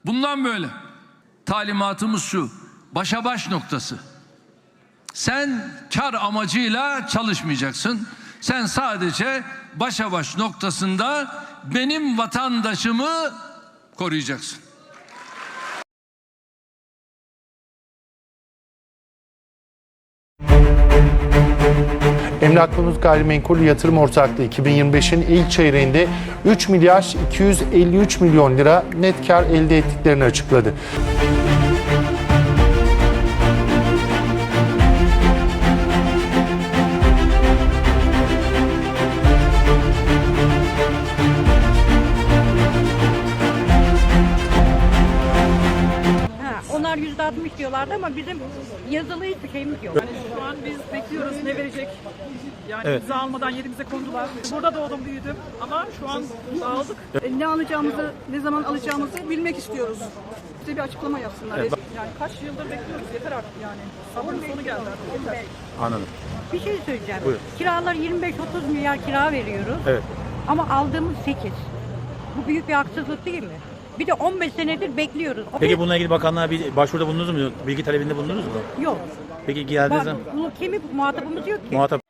Bundan böyle talimatımız şu: başa baş noktası. Sen kar amacıyla çalışmayacaksın. Sen sadece başa baş noktasında benim vatandaşımı koruyacaksın. Emlak Konut Gayrimenkul Yatırım Ortaklığı 2025'in ilk çeyreğinde 3 milyar 253 milyon lira net kar elde ettiklerini açıkladı. Onlar %60 diyorlardı ama bizim yazılı hiçbir şeyimiz yok. Yani şu an biz bekliyoruz ne verecek. Yani imza almadan yerimize kondular. Burada doğdum büyüdüm ama şu an dağıldık. Ne alacağımızı, ne zaman alacağımızı bilmek istiyoruz. Bize bir açıklama yapsınlar. Evet. Yani kaç yıldır bekliyoruz, yeter artık yani. Sabrın sonu geldi artık, yeter. Anladım. Bir şey söyleyeceğim. Buyurun. Kiralar 25-30 milyar kira veriyoruz. Evet. Ama aldığımız 8. Bu büyük bir haksızlık değil mi? Bir de 15 senedir bekliyoruz. Peki bununla ilgili bakanlığa bir başvuruda bulundunuz mu? Bilgi talebinde bulundunuz mu? Yok. Peki geldiğiniz zaman Bunu muhatabımız yok ki. muhatap